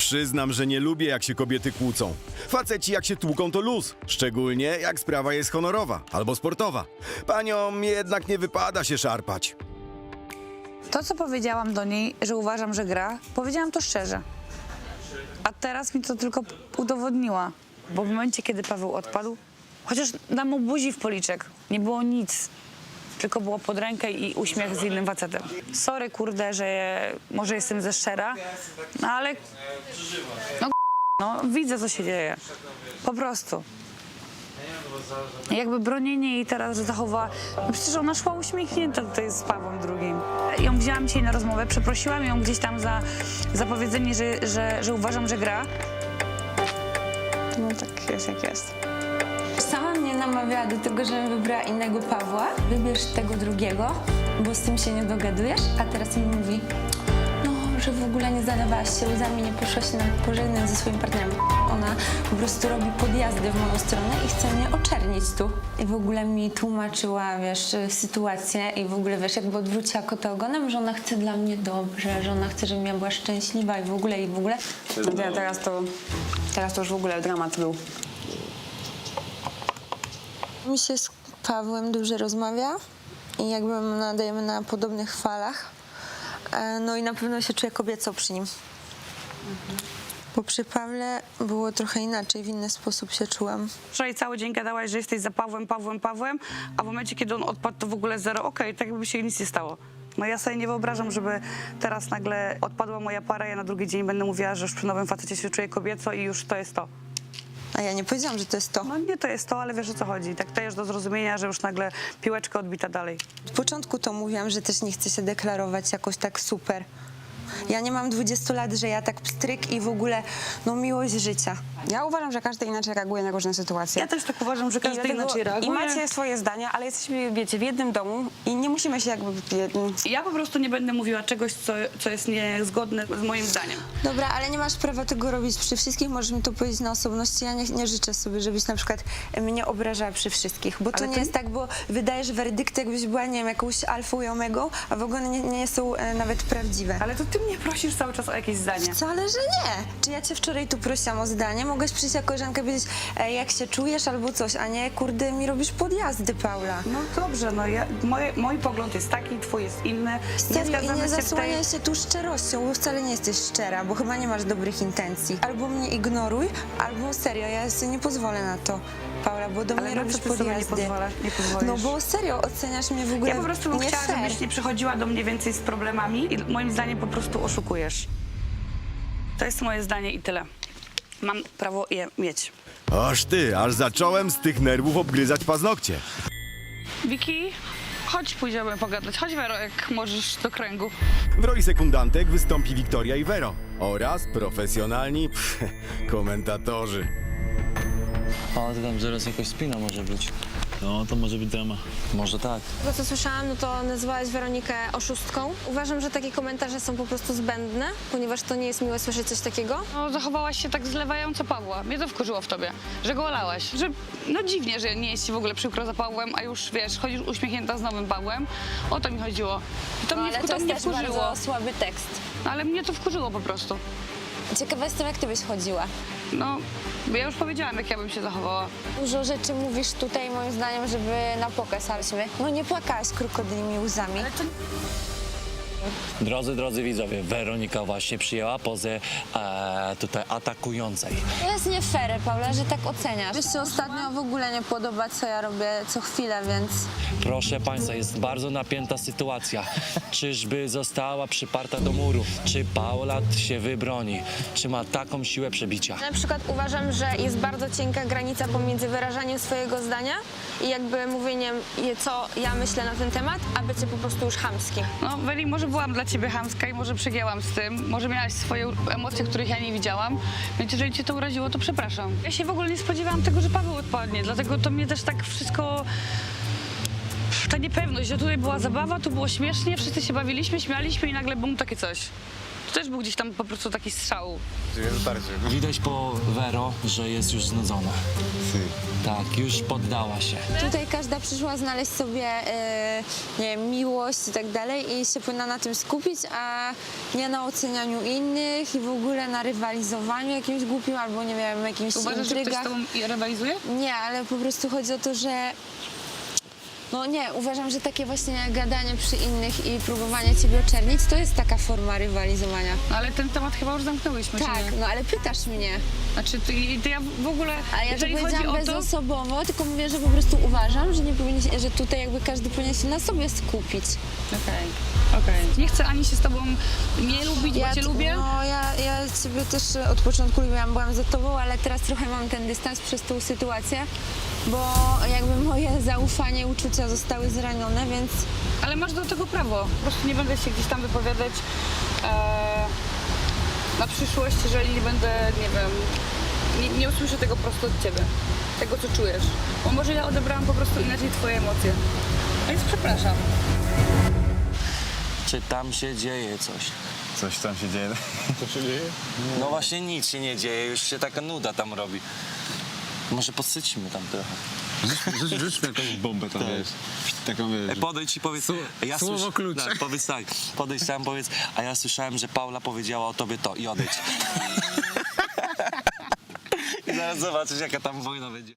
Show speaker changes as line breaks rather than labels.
Przyznam, że nie lubię, jak się kobiety kłócą. Faceci jak się tłuką, to luz. Szczególnie jak sprawa jest honorowa albo sportowa. Paniom jednak nie wypada się szarpać.
To, co powiedziałam do niej, że uważam, że gra, powiedziałam to szczerze. A teraz mi to tylko udowodniła. Bo w momencie, kiedy Paweł odpadł, chociaż dam mu buzi w policzek, nie było nic. Tylko było pod rękę i uśmiech z innym facetem. Sorry, kurde, że może jestem ze szczera, no ale no, widzę, co się dzieje. Po prostu. Jakby bronienie jej teraz, że zachowała... No przecież ona szła uśmiechnięta tutaj z Pawłem drugim. Ją wzięłam dzisiaj na rozmowę, przeprosiłam ją gdzieś tam za powiedzenie, że uważam, że gra. No tak jest, jak jest.
Sama mnie namawiała do tego, żebym wybrała innego Pawła. Wybierz tego drugiego, bo z tym się nie dogadujesz. A teraz mi mówi, no, że w ogóle nie zalewałaś się łzami, nie poszłaś na pożegnać ze swoim partnerem. Ona po prostu robi podjazdy w moją stronę i chce mnie oczernić tu. I w ogóle mi tłumaczyła, wiesz, sytuację i w ogóle, wiesz, jakby odwróciła kota ogonem, że ona chce dla mnie dobrze, że ona chce, żebym ja była szczęśliwa i w ogóle.
No teraz to już w ogóle dramat był.
Mi się z Pawłem dużo rozmawia i jakby nadajemy na podobnych falach. No i na pewno się czuję kobieco przy nim. Bo przy Pawle było trochę inaczej, w inny sposób się czułam.
Wczoraj cały dzień gadałaś, że jesteś za Pawłem, a w momencie, kiedy on odpadł, to w ogóle zero. Okej, tak jakby się nic nie stało. No ja sobie nie wyobrażam, żeby teraz nagle odpadła moja para, ja na drugi dzień będę mówiła, że już przy nowym facecie się czuję kobieco i już to jest to.
A ja nie powiedziałam, że to jest to.
No nie to jest to, ale wiesz, o co chodzi. Tak dajesz do zrozumienia, że już nagle piłeczka odbita dalej.
Od początku to mówiłam, że też nie chcę się deklarować jakoś tak super. Ja nie mam 20 lat, że ja tak pstryk i w ogóle, no miłość życia.
Ja uważam, że każdy inaczej reaguje na różne sytuacje.
Ja też tak uważam, że każdy inaczej
I
reaguje.
macie swoje zdania, ale jesteśmy, wiecie, w jednym domu i nie musimy się jakby...
Ja po prostu nie będę mówiła czegoś, co jest niezgodne z moim zdaniem.
Dobra, ale nie masz prawa tego robić przy wszystkich, możesz mi to powiedzieć na osobności. Ja nie życzę sobie, żebyś na przykład mnie obrażała przy wszystkich, bo to
Ale
nie
to-
jest tak, bo wydajesz werdykty, jakbyś była, nie wiem, jakąś alfą i omegą, a w ogóle nie są nawet prawdziwe.
Ale to ty mnie prosisz cały czas o jakieś zdanie.
Wcale, że nie. Czy ja cię wczoraj tu prosiłam o zdanie? Mogłeś przyjść jako koleżankę i powiedzieć, jak się czujesz albo coś, a nie, kurde, mi robisz podjazdy, Paula.
No dobrze, no mój pogląd jest taki, twój jest inny.
Serio, i
zgadzamy
nie
się w tej...
zasłaniaj się tu szczerością, bo wcale nie jesteś szczera, bo chyba nie masz dobrych intencji. Albo mnie ignoruj, albo serio, ja sobie nie pozwolę na to, Paula, bo do
Ale
mnie
na
robisz
co ty sobie nie
podjazdy.
nie pozwolisz?
No bo serio, oceniasz mnie w ogóle
Ja po prostu bym
nie
chciała,
fair.
żebyś nie przychodziła do mnie więcej z problemami i moim zdaniem po prostu oszukujesz. To jest moje zdanie i tyle. Mam prawo je mieć.
Aż zacząłem z tych nerwów obgryzać paznokcie.
Wiki, chodź pójdziemy pogadać. Chodź, Wero, jak możesz do kręgu.
W roli sekundantek wystąpi Wiktoria i Vero oraz profesjonalni komentatorzy.
A, to tam zaraz jakaś spina może być. No, to może być drama. Może tak.
To, co słyszałam, no to nazwałaś Weronikę oszustką. Uważam, że takie komentarze są po prostu zbędne, ponieważ to nie jest miłe słyszeć coś takiego.
No, zachowałaś się tak zlewająco Pawła. Mnie to wkurzyło w tobie, że go olałaś. Że, no dziwnie, że nie jest ci w ogóle przykro za Pawłem, a już, wiesz, chodzisz uśmiechnięta z nowym Pawłem. O to mi chodziło. I to mnie,
ale to
to
jest
mnie
też
wkurzyło.
bardzo słaby tekst.
Ale mnie to wkurzyło po prostu.
Ciekawa jestem, jak ty byś chodziła.
No, bo ja już powiedziałam, jak ja bym się zachowała.
Dużo rzeczy mówisz tutaj, moim zdaniem, żeby na pokaz, ale no nie płakałaś krokodymi łzami.
Drodzy widzowie, Weronika właśnie przyjęła pozę tutaj atakującej.
To jest nie fair, Paula, że tak oceniasz. Wiesz, się ostatnio w ogóle nie podoba, co ja robię co chwilę, więc...
Proszę Państwa, jest bardzo napięta sytuacja. Czyżby została przyparta do muru? Czy Paula się wybroni? Czy ma taką siłę przebicia?
Na przykład uważam, że jest bardzo cienka granica pomiędzy wyrażaniem swojego zdania i jakby mówieniem, co ja myślę na ten temat, a bycie po prostu już chamskim.
No, Weli, może byłam dla ciebie chamska i może przegięłam z tym. Może miałaś swoje emocje, których ja nie widziałam. Więc jeżeli cię to uraziło, to przepraszam. Ja się w ogóle nie spodziewałam tego, że Paweł odpadnie. Dlatego to mnie też tak wszystko... Ta niepewność, że tutaj była zabawa, tu było śmiesznie, wszyscy się bawiliśmy, śmialiśmy i nagle bum, takie coś. To też był gdzieś tam po prostu taki strzał.
Widać po Vero, że jest już znudzona. Tak, już poddała się.
Tutaj każda przyszła znaleźć sobie, nie wiem, miłość i tak dalej i się powinna na tym skupić, a nie na ocenianiu innych i w ogóle na rywalizowaniu jakimś głupim albo, nie wiem, jakimś
Uważasz, że ktoś z
intrygach.
tobą rywalizuje?
Nie, ale po prostu chodzi o to, że no nie, uważam, że takie właśnie gadanie przy innych i próbowanie ciebie oczernić, to jest taka forma rywalizowania.
No, ale ten temat chyba już zamknęłyśmy, czy
Tak,
nie?
no ale pytasz mnie.
Znaczy, to ja w ogóle,
Ale ja to
jeżeli chodzi
powiedziałam
o to...
bezosobowo, tylko mówię, że po prostu uważam, że nie powinien się, że tutaj jakby każdy powinien się na sobie skupić.
Okej. Nie chcę ani się z tobą nie lubić, bo cię lubię.
No, ja ciebie też od początku lubiłam, byłam za tobą, ale teraz trochę mam ten dystans przez tą sytuację, bo jakby moje zaufanie i uczucia zostały zranione, więc
Ale masz do tego prawo. Po prostu nie będę się gdzieś tam wypowiadać na przyszłość, jeżeli nie będę, nie wiem, nie usłyszę tego prosto od ciebie. Tego, co czujesz. Bo może ja odebrałam po prostu inaczej twoje emocje. Więc przepraszam.
Czy tam się dzieje coś?
Coś tam się dzieje.
No właśnie nic się nie dzieje, już się taka nuda tam robi. Może posycimy tam trochę.
Rzućmy jakąś bombę tam, wiesz. Taką, wiesz.
Podejdź i powiedz...
słowo klucz.
Tak, powiedz tak, podejdź tam, powiedz, a ja słyszałem, że Paula powiedziała o tobie to i odejdź. I zaraz zobaczysz, jaka tam wojna będzie.